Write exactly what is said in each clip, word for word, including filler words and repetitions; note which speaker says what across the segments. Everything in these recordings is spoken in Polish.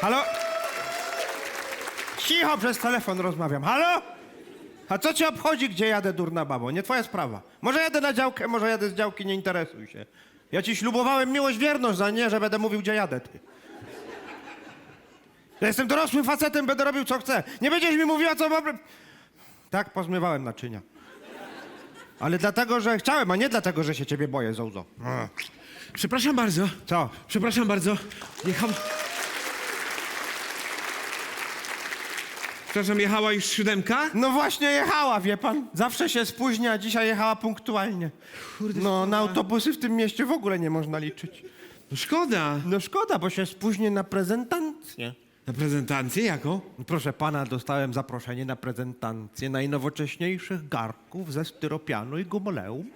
Speaker 1: Halo? Cicho, przez telefon rozmawiam. Halo? A co cię obchodzi, gdzie jadę, durna babo? Nie twoja sprawa. Może jadę na działkę, może jadę z działki, nie interesuj się. Ja ci ślubowałem miłość, wierność, za nie, że będę mówił, gdzie jadę, ty. Ja jestem dorosłym facetem, będę robił, co chcę. Nie będziesz mi mówiła, co mam... Tak, pozmywałem naczynia. Ale dlatego, że chciałem, a nie dlatego, że się ciebie boję, Zołzo. A.
Speaker 2: Przepraszam bardzo.
Speaker 1: Co?
Speaker 2: Przepraszam bardzo. Jechał... Przepraszam, jechała już siódemka?
Speaker 1: No właśnie jechała, wie pan. Zawsze się spóźnia, a dzisiaj jechała punktualnie.
Speaker 2: Kurde,
Speaker 1: No,
Speaker 2: szkoda.
Speaker 1: na autobusy w tym mieście w ogóle nie można liczyć.
Speaker 2: No szkoda.
Speaker 1: No szkoda, bo się spóźnię na prezentację.
Speaker 2: Na prezentację jaką?
Speaker 1: Proszę pana, dostałem zaproszenie na prezentację najnowocześniejszych garnków ze styropianu i gumoleum.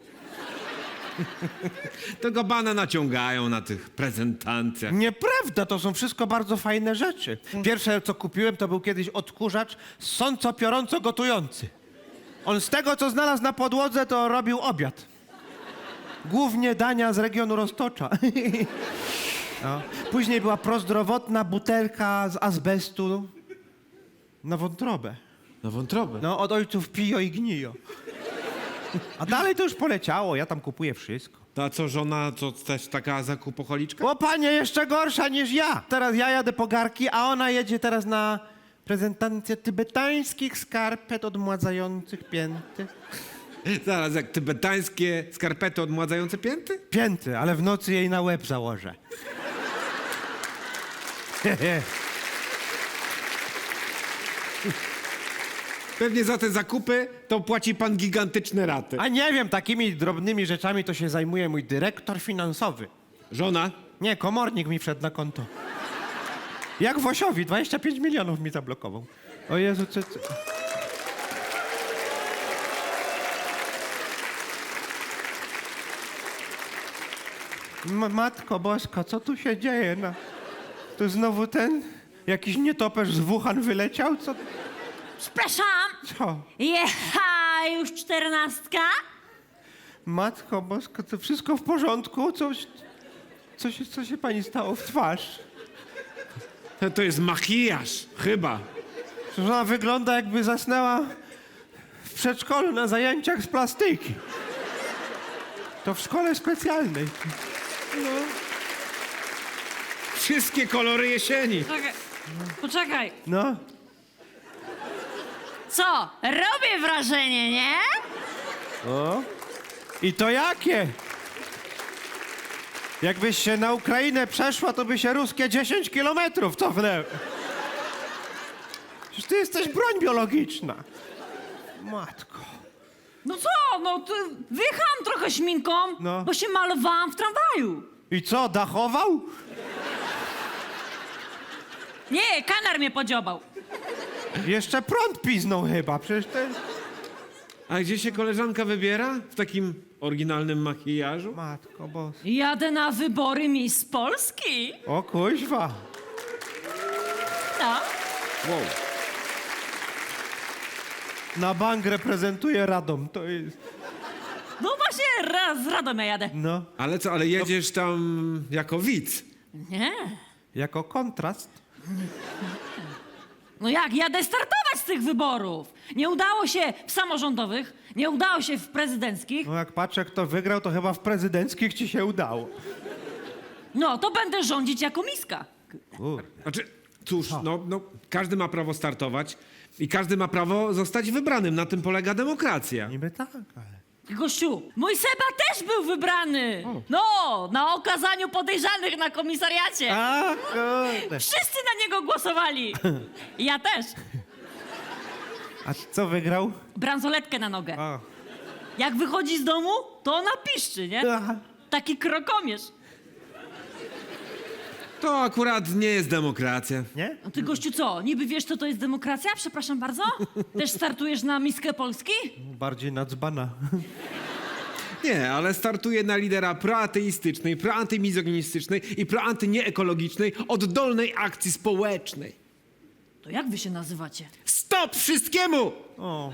Speaker 2: Tego bana naciągają na tych prezentacjach.
Speaker 1: Nieprawda, to są wszystko bardzo fajne rzeczy. Pierwsze, co kupiłem, to był kiedyś odkurzacz sąco-piorąco gotujący. On z tego, co znalazł na podłodze, to robił obiad. Głównie dania z regionu Roztocza. No. Później była prozdrowotna butelka z azbestu na wątrobę.
Speaker 2: Na wątrobę.
Speaker 1: No, od ojców Pio i Gnio. A dalej to już poleciało, ja tam kupuję wszystko.
Speaker 2: To a co, żona to też taka zakupocholiczka?
Speaker 1: O panie, jeszcze gorsza niż ja. Teraz ja jadę po garki, a ona jedzie teraz na prezentację tybetańskich skarpet odmładzających pięty.
Speaker 2: Zaraz, jak tybetańskie skarpety odmładzające pięty?
Speaker 1: Pięty, ale w nocy jej na łeb założę.
Speaker 2: Pewnie za te zakupy to płaci pan gigantyczne raty.
Speaker 1: A nie wiem, takimi drobnymi rzeczami to się zajmuje mój dyrektor finansowy.
Speaker 2: Żona?
Speaker 1: Nie, komornik mi wszedł na konto. Jak Wosiowi, dwadzieścia pięć milionów mi zablokował. O Jezu, co... co... M- Matko Boska, co tu się dzieje? No, tu znowu ten jakiś nietoperz z Wuhan wyleciał? Co?
Speaker 3: Przepraszam,
Speaker 1: Co?
Speaker 3: jecha już czternastka?
Speaker 1: Matko Boska, to wszystko w porządku? Coś, co, się, co się pani stało w twarz?
Speaker 2: To, to jest makijaż, chyba.
Speaker 1: Że ona wygląda, jakby zasnęła w przedszkolu na zajęciach z plastyki. To w szkole specjalnej.
Speaker 2: Wszystkie kolory jesieni.
Speaker 3: Poczekaj, poczekaj.
Speaker 1: No.
Speaker 3: Co? Robię wrażenie, nie?
Speaker 1: O. I to jakie? Jakbyś się na Ukrainę przeszła, to by się ruskie dziesięć kilometrów cofnęły. Przecież ty jesteś broń biologiczna. Matko.
Speaker 3: No co? No to wyjechałam trochę śminką,
Speaker 1: No.
Speaker 3: bo się malowałam w tramwaju.
Speaker 1: I co, dachował?
Speaker 3: Nie, kanar mnie podziobał.
Speaker 1: Jeszcze prąd piznął chyba, przecież to jest...
Speaker 2: A gdzie się koleżanka wybiera? W takim oryginalnym makijażu?
Speaker 1: Matko boska.
Speaker 3: Jadę na wybory Miss Polski.
Speaker 1: O kuźwa.
Speaker 3: No.
Speaker 2: Wow.
Speaker 1: Na bank reprezentuje Radom, to jest...
Speaker 3: No właśnie, raz z Radomia jadę.
Speaker 1: No,
Speaker 2: Ale co, ale jedziesz tam jako widz?
Speaker 3: Nie.
Speaker 1: jako kontrast.
Speaker 3: No jak, jadę startować z tych wyborów. Nie udało się w samorządowych, nie udało się w prezydenckich.
Speaker 1: No jak patrzę, kto wygrał, to chyba w prezydenckich ci się udało.
Speaker 3: No, to będę rządzić jako miska.
Speaker 1: Kur...
Speaker 2: Znaczy, cóż, no, no, każdy ma prawo startować i każdy ma prawo zostać wybranym. Na tym polega demokracja.
Speaker 1: Niby tak, ale...
Speaker 3: Gościu, mój Seba też był wybrany. No, na okazaniu podejrzanych na komisariacie.
Speaker 1: A, kurde.
Speaker 3: Wszyscy na niego głosowali. Ja też.
Speaker 1: A co wygrał?
Speaker 3: Bransoletkę na nogę.
Speaker 1: A.
Speaker 3: Jak wychodzi z domu, to ona piszczy, nie?
Speaker 1: Aha.
Speaker 3: Taki krokomierz.
Speaker 2: To akurat nie jest demokracja.
Speaker 1: Nie?
Speaker 3: A ty, gościu, co? Niby wiesz, co to jest demokracja? Przepraszam bardzo? Też startujesz na miskę Polski?
Speaker 1: Bardziej na dzbana.
Speaker 2: Nie, ale startuje na lidera proateistycznej, proantymizoginistycznej i proantynieekologicznej, oddolnej akcji społecznej.
Speaker 3: To jak wy się nazywacie?
Speaker 2: Stop wszystkiemu!
Speaker 1: O.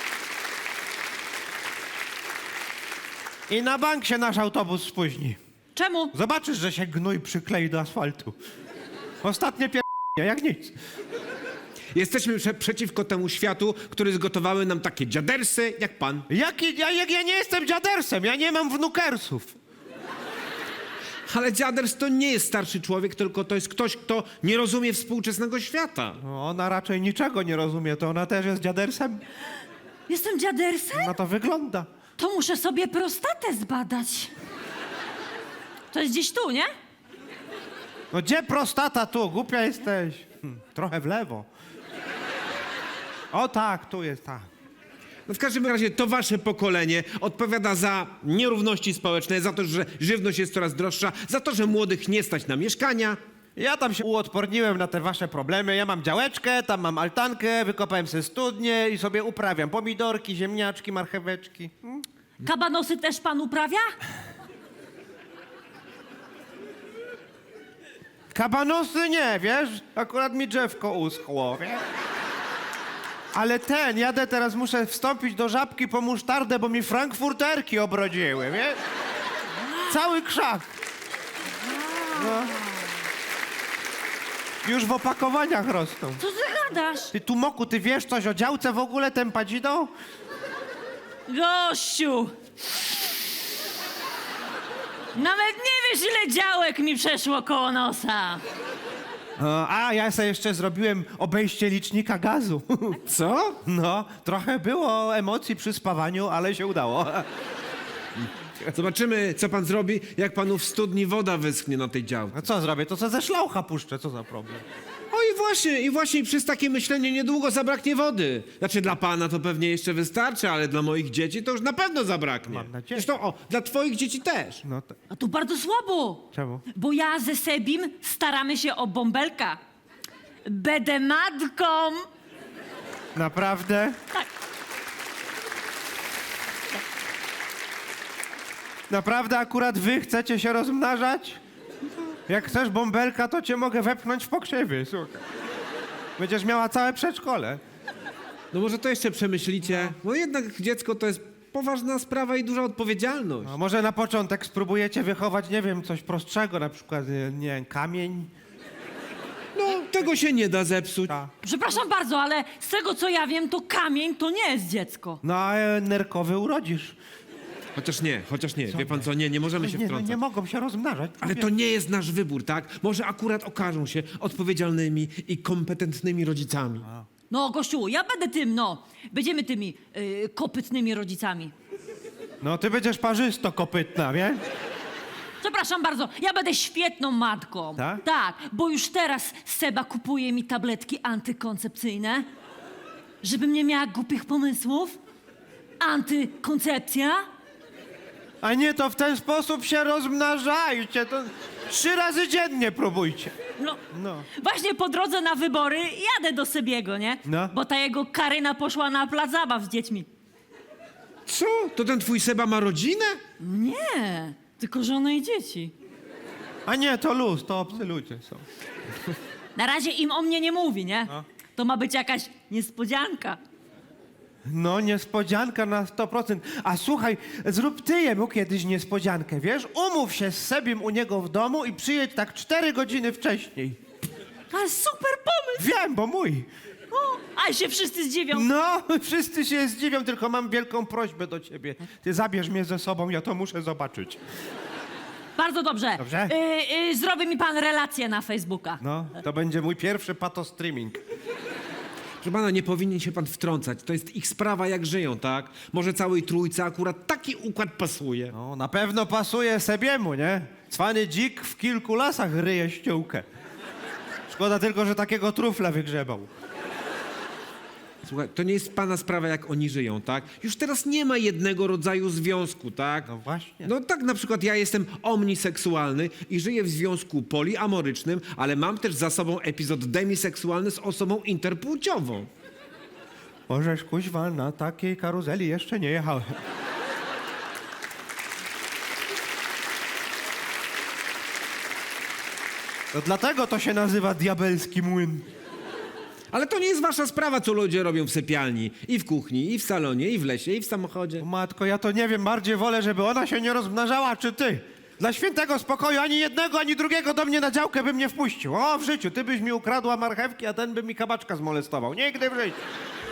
Speaker 1: I na bank się nasz autobus spóźni.
Speaker 3: Czemu?
Speaker 1: Zobaczysz, że się gnój przyklei do asfaltu. Ostatnie pier... jak nic.
Speaker 2: Jesteśmy prze przeciwko temu światu, który zgotowały nam takie dziadersy jak pan.
Speaker 1: Jaki, ja, jak ja nie jestem dziadersem, ja nie mam wnukersów.
Speaker 2: Ale dziaders to nie jest starszy człowiek, tylko to jest ktoś, kto nie rozumie współczesnego świata.
Speaker 1: No, ona raczej niczego nie rozumie, to ona też jest dziadersem?
Speaker 3: Jestem dziadersem?
Speaker 1: No to wygląda.
Speaker 3: To muszę sobie prostatę zbadać. To jest gdzieś tu, nie?
Speaker 1: No gdzie prostata tu? Głupia jesteś. Hm, trochę w lewo. O tak, tu jest tak.
Speaker 2: No w każdym razie to wasze pokolenie odpowiada za nierówności społeczne, za to, że żywność jest coraz droższa, za to, że młodych nie stać na mieszkania.
Speaker 1: Ja tam się uodporniłem na te wasze problemy. Ja mam działeczkę, tam mam altankę, wykopałem sobie studnię i sobie uprawiam pomidorki, ziemniaczki, marcheweczki. Hmm?
Speaker 3: Kabanosy też pan uprawia?
Speaker 1: Kabanosy nie, wiesz? Akurat mi drzewko uschło, wiesz? Ale ten, jadę teraz, muszę wstąpić do Żabki po musztardę, bo mi frankfurterki obrodziły, wiesz? Cały krzak. No. Już w opakowaniach rosną.
Speaker 3: Co ty gadasz?
Speaker 1: Ty, Tumoku, ty wiesz coś o działce w ogóle, tempadzidą?
Speaker 3: Gościu! Nawet nie wiesz, ile działek mi przeszło koło nosa.
Speaker 1: O, a, ja sobie jeszcze zrobiłem obejście licznika gazu.
Speaker 2: Co?
Speaker 1: No, trochę było emocji przy spawaniu, ale się udało.
Speaker 2: Zobaczymy, co pan zrobi, jak panu w studni woda wyschnie na tej działce.
Speaker 1: A co zrobię? To co ze szlaucha puszczę, co za problem?
Speaker 2: O i właśnie, i właśnie przez takie myślenie niedługo zabraknie wody. Znaczy dla pana to pewnie jeszcze wystarczy, ale dla moich dzieci to już na pewno zabraknie.
Speaker 1: Mam nadzieję.
Speaker 2: Zresztą, o, dla twoich dzieci też.
Speaker 1: No to...
Speaker 3: A tu bardzo słabo.
Speaker 1: Czemu?
Speaker 3: Bo ja ze Sebim staramy się o bąbelka. Będę matką.
Speaker 1: Naprawdę?
Speaker 3: Tak.
Speaker 1: Naprawdę akurat wy chcecie się rozmnażać? Jak chcesz bąbelka, to cię mogę wepchnąć w pokrzywy, słuchaj. Będziesz miała całe przedszkole.
Speaker 2: No może to jeszcze przemyślicie. No jednak dziecko to jest poważna sprawa i duża odpowiedzialność.
Speaker 1: A może na początek spróbujecie wychować, nie wiem, coś prostszego, na przykład, nie, nie wiem, kamień?
Speaker 2: No, tego się nie da zepsuć.
Speaker 1: Ta.
Speaker 3: Przepraszam bardzo, ale z tego co ja wiem, to kamień to nie jest dziecko.
Speaker 1: No a e, nerkowy urodzisz.
Speaker 2: Chociaż nie, chociaż nie. Wie pan co, nie, nie możemy się
Speaker 1: Nie, no,
Speaker 2: wtrącać.
Speaker 1: nie mogą się rozmnażać.
Speaker 2: Ale to nie jest nasz wybór, tak? Może akurat okażą się odpowiedzialnymi i kompetentnymi rodzicami.
Speaker 3: No, gościu, ja będę tym, no. Będziemy tymi yy, kopytnymi rodzicami.
Speaker 1: No ty będziesz parzysto-kopytna, wiesz?
Speaker 3: Przepraszam bardzo, ja będę świetną matką.
Speaker 1: Tak?
Speaker 3: Tak, bo już teraz Seba kupuje mi tabletki antykoncepcyjne, żebym nie miała głupich pomysłów. Antykoncepcja.
Speaker 1: A nie, to w ten sposób się rozmnażajcie. To trzy razy dziennie próbujcie.
Speaker 3: No,
Speaker 1: No.
Speaker 3: właśnie po drodze na wybory jadę do Sebiego, nie?
Speaker 1: No.
Speaker 3: Bo ta jego Karyna poszła na plac zabaw z dziećmi.
Speaker 2: Co? To ten twój Seba ma rodzinę?
Speaker 3: Nie, tylko żonę i dzieci.
Speaker 1: A nie, to luz, to obcy ludzie są.
Speaker 3: Na razie im o mnie nie mówi, nie?
Speaker 1: No.
Speaker 3: To ma być jakaś niespodzianka.
Speaker 1: No, niespodzianka na sto procent. A słuchaj, zrób ty jemu kiedyś niespodziankę, wiesz? Umów się z Sebim u niego w domu i przyjedź tak cztery godziny wcześniej.
Speaker 3: Ale super pomysł!
Speaker 1: Wiem, bo mój.
Speaker 3: O, a się wszyscy zdziwią.
Speaker 1: No, wszyscy się zdziwią, tylko mam wielką prośbę do ciebie. Ty zabierz mnie ze sobą, ja to muszę zobaczyć.
Speaker 3: Bardzo dobrze.
Speaker 1: Dobrze?
Speaker 3: Y, y, zrobi mi pan relację na Facebooka.
Speaker 1: No, to będzie mój pierwszy patostreaming.
Speaker 2: Proszę pana, nie powinien się pan wtrącać. To jest ich sprawa, jak żyją, tak? Może całej trójce akurat taki układ pasuje.
Speaker 1: No, na pewno pasuje Sebiemu, nie? Cwany dzik w kilku lasach ryje ściółkę. Szkoda tylko, że takiego trufla wygrzebał.
Speaker 2: Słuchaj, to nie jest pana sprawa, jak oni żyją, tak? Już teraz nie ma jednego rodzaju związku, tak?
Speaker 1: No właśnie.
Speaker 2: No tak, na przykład ja jestem omniseksualny i żyję w związku poliamorycznym, ale mam też za sobą epizod demiseksualny z osobą interpłciową.
Speaker 1: Możesz, kuźwa, na takiej karuzeli jeszcze nie jechałem. To dlatego to się nazywa diabelski młyn.
Speaker 2: Ale to nie jest wasza sprawa, co ludzie robią w sypialni. I w kuchni, i w salonie, i w lesie, i w samochodzie.
Speaker 1: Matko, ja to nie wiem, bardziej wolę, żeby ona się nie rozmnażała, czy ty. Dla świętego spokoju ani jednego, ani drugiego do mnie na działkę bym nie wpuścił. O, w życiu, ty byś mi ukradła marchewki, a ten by mi kabaczka zmolestował. Nigdy w życiu.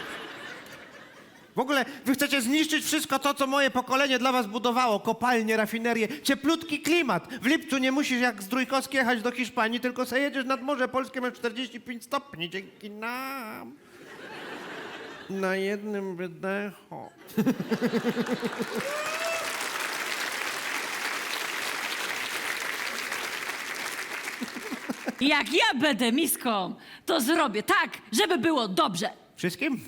Speaker 1: W ogóle wy chcecie zniszczyć wszystko to, co moje pokolenie dla was budowało. Kopalnie, rafinerie, cieplutki klimat. W lipcu nie musisz jak z Trójkowskiej jechać do Hiszpanii, tylko se jedziesz nad Morze Polskie, masz czterdzieści pięć stopni. Dzięki nam. Na jednym wydechu.
Speaker 3: Jak ja będę miską, to zrobię tak, żeby było dobrze.
Speaker 1: Wszystkim?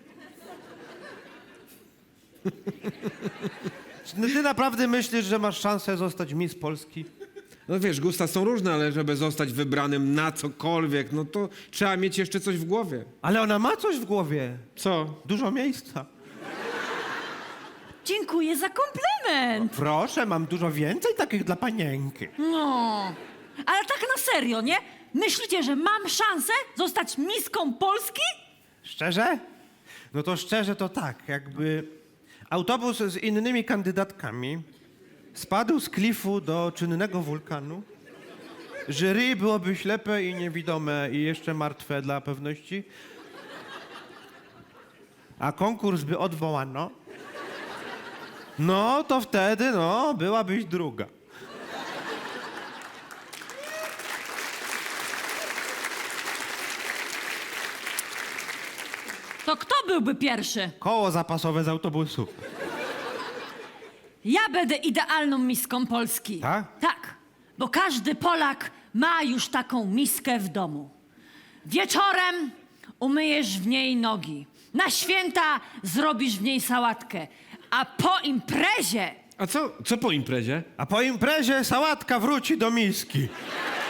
Speaker 1: No ty naprawdę myślisz, że masz szansę zostać Miss Polski?
Speaker 2: No wiesz, gusta są różne, ale żeby zostać wybranym na cokolwiek, no to trzeba mieć jeszcze coś w głowie.
Speaker 1: Ale ona ma coś w głowie.
Speaker 2: Co?
Speaker 1: Dużo miejsca.
Speaker 3: Dziękuję za komplement.
Speaker 1: Proszę, mam dużo więcej takich dla panienki.
Speaker 3: No, ale tak na serio, nie? Myślicie, że mam szansę zostać miską Polski?
Speaker 1: Szczerze? No to szczerze to tak, jakby autobus z innymi kandydatkami spadł z klifu do czynnego wulkanu. Jury byłoby ślepe i niewidome i jeszcze martwe dla pewności. A konkurs by odwołano. No to wtedy, no, byłabyś druga.
Speaker 3: To kto byłby pierwszy?
Speaker 1: Koło zapasowe z autobusu.
Speaker 3: Ja będę idealną miską Polski.
Speaker 1: Tak?
Speaker 3: Tak, bo każdy Polak ma już taką miskę w domu. Wieczorem umyjesz w niej nogi. Na święta zrobisz w niej sałatkę. A po imprezie
Speaker 2: A co, co po imprezie?
Speaker 1: A po imprezie sałatka wróci do miski.